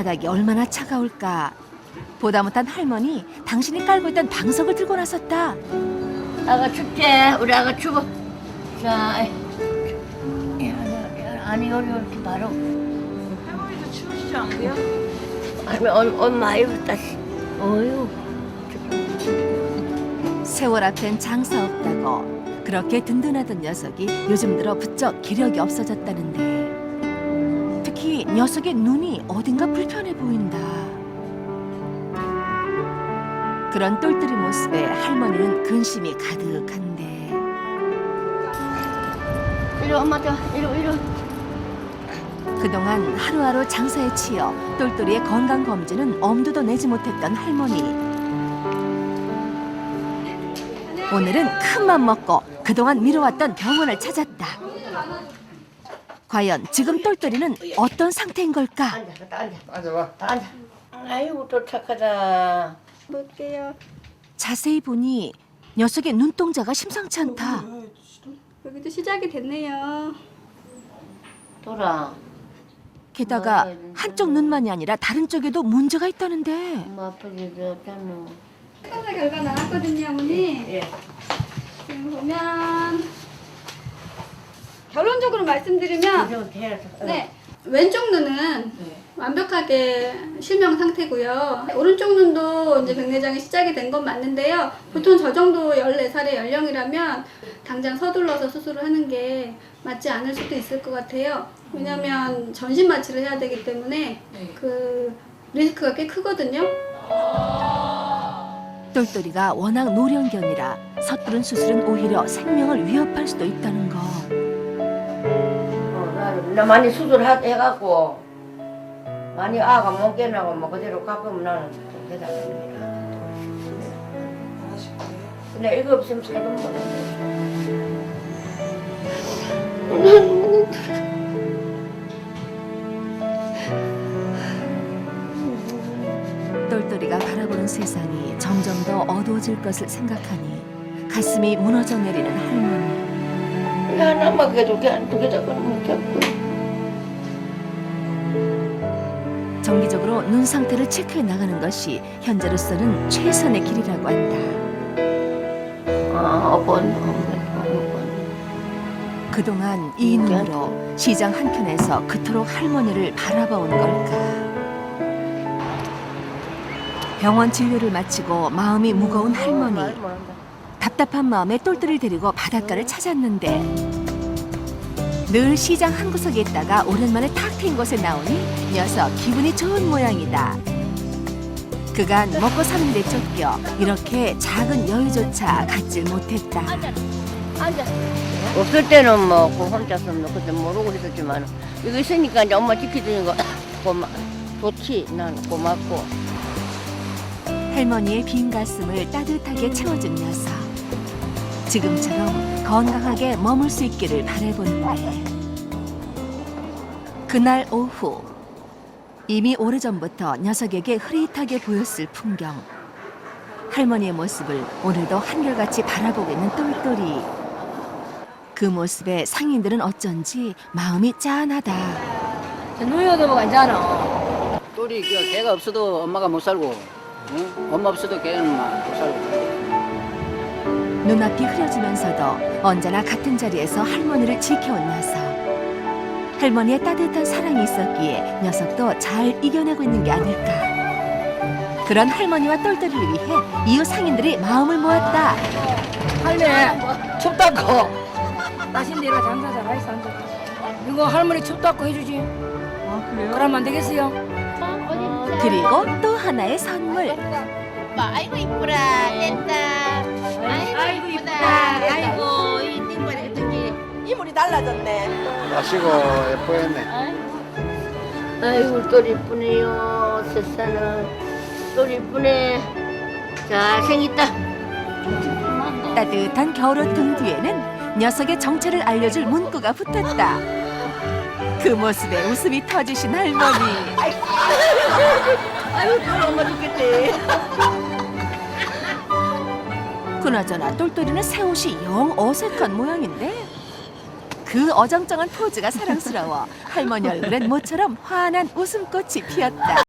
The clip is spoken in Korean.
바닥이 얼마나 차가울까. 보다 못한 할머니, 당신이 깔고 있던 방석을 들고 나섰다. 아가 춥지? 우리 아가 추워. 자, 아니 이렇게 바로. 할머니도 추우시지 않고요? 아니 엄마 입었다. 어휴. 세월 앞엔 장사 없다고 그렇게 든든하던 녀석이 요즘 들어 부쩍 기력이 없어졌다는데, 특히 녀석의 눈이 어딘가 불편해 보인다. 그런 똘똘이 모습에 할머니는 근심이 가득한데. 이리 엄마 저 이리. 그동안 하루하루 장사에 치여 똘똘이의 건강검진은 엄두도 내지 못했던 할머니. 오늘은 큰맘 먹고 그동안 미뤄왔던 병원을 찾았다. 과연 지금 똘똘이는 어떤 상태인 걸까? 앉아봐. 앉아. 아이고 또 착하다. 볼게요. 자세히 보니 녀석의 눈동자가 심상치 않다. 여기도 시작이 됐네요. 돌아. 게다가 한쪽 눈만이 아니라 다른 쪽에도 문제가 있다는데. 엄마 아프지 않잖아. 검사 결과 나왔거든요, 어머니. 예. 지금 보면 결론적으로 말씀드리면 네, 왼쪽 눈은 완벽하게 실명 상태고요. 오른쪽 눈도 이제 백내장이 시작이 된 건 맞는데요. 보통 저 정도 14살의 연령이라면 당장 서둘러서 수술을 하는 게 맞지 않을 수도 있을 것 같아요. 왜냐하면 전신 마취를 해야 되기 때문에 그 리스크가 꽤 크거든요. 똘똘이가 워낙 노령견이라 서투른 수술은 오히려 생명을 위협할 수도 있다는 거. 나 많이 수술해갖고 많이 아가 못 깨나고 뭐 그대로 가끔 나는 좀 대단합니다. 근데 이거 없으면 살도 못 똘똘이가 바라보는 세상이 점점 더 어두워질 것을 생각하니 가슴이 무너져 내리는 할머니. 하나만 해도 그냥 두개 잡고 못 잡고. 정기적으로 눈 상태를 체크해 나가는 것이 현재로서는 최선의 길이라고 한다. 그동안 이 눈으로 시장 한켠에서 그토록 할머니를 바라봐온 걸까. 병원 진료를 마치고 마음이 무거운 할머니. 답답한 마음에 똘똘이를 데리고 바닷가를 찾았는데, 늘 시장 한 구석에 있다가 오랜만에 탁 트인 곳에 나오니 녀석 기분이 좋은 모양이다. 그간 먹고 사는 데 쫓겨 이렇게 작은 여유조차 갖질 못했다. 앉아. 없을 때는 뭐 혼자서 뭐 그때 모르고 있었지만 이거 있으니까 이제 엄마 지켜주는 거 좋지. 난 고맙고. 할머니의 빈 가슴을 따뜻하게 채워준 녀석. 지금처럼 건강하게 머물 수 있기를 바라보는데, 그날 오후 이미 오래전부터 녀석에게 흐릿하게 보였을 풍경. 할머니의 모습을 오늘도 한결같이 바라보고 있는 똘똘이. 그 모습에 상인들은 어쩐지 마음이 짠하다. 누이도 뭐 괜찮아. 똘이 걔가 없어도 엄마가 못 살고, 응? 엄마 없어도 걔는 못 살고. 눈앞이 흐려지면서도 언제나 같은 자리에서 할머니를 지켜온 녀석. 할머니의 따뜻한 사랑이 있었기에 녀석도 잘 이겨내고 있는 게 아닐까. 그런 할머니와 똘똘이를 위해 이웃 상인들이 마음을 모았다. 할매 춥다고. 나신 내가 장사 잘하겠어 앉아. 이거 할머니 춥다고 해주지. 아 그래요? 그러면 안 되겠어요? 그리고 또 하나의 선물. 아이고 이쁘라 됐다. 아이고 이쁘다. 아이고 이 띵거리 어떻게 이물이 달라졌네. 마시고 예뻐했네. 아이고 똘 이쁘네요. 세상에 똘 이쁘네. 잘생겼다. 따뜻한 겨울옷 등 뒤에는 녀석의 정체를 알려줄 문구가 붙었다. 그 모습에 웃음이 터지신 할머니. 아이고 똘 엄마 죽겠대. 그나저나 똘똘이는 새 옷이 영 어색한 모양인데, 그 어정쩡한 포즈가 사랑스러워 할머니 얼굴엔 모처럼 환한 웃음꽃이 피었다.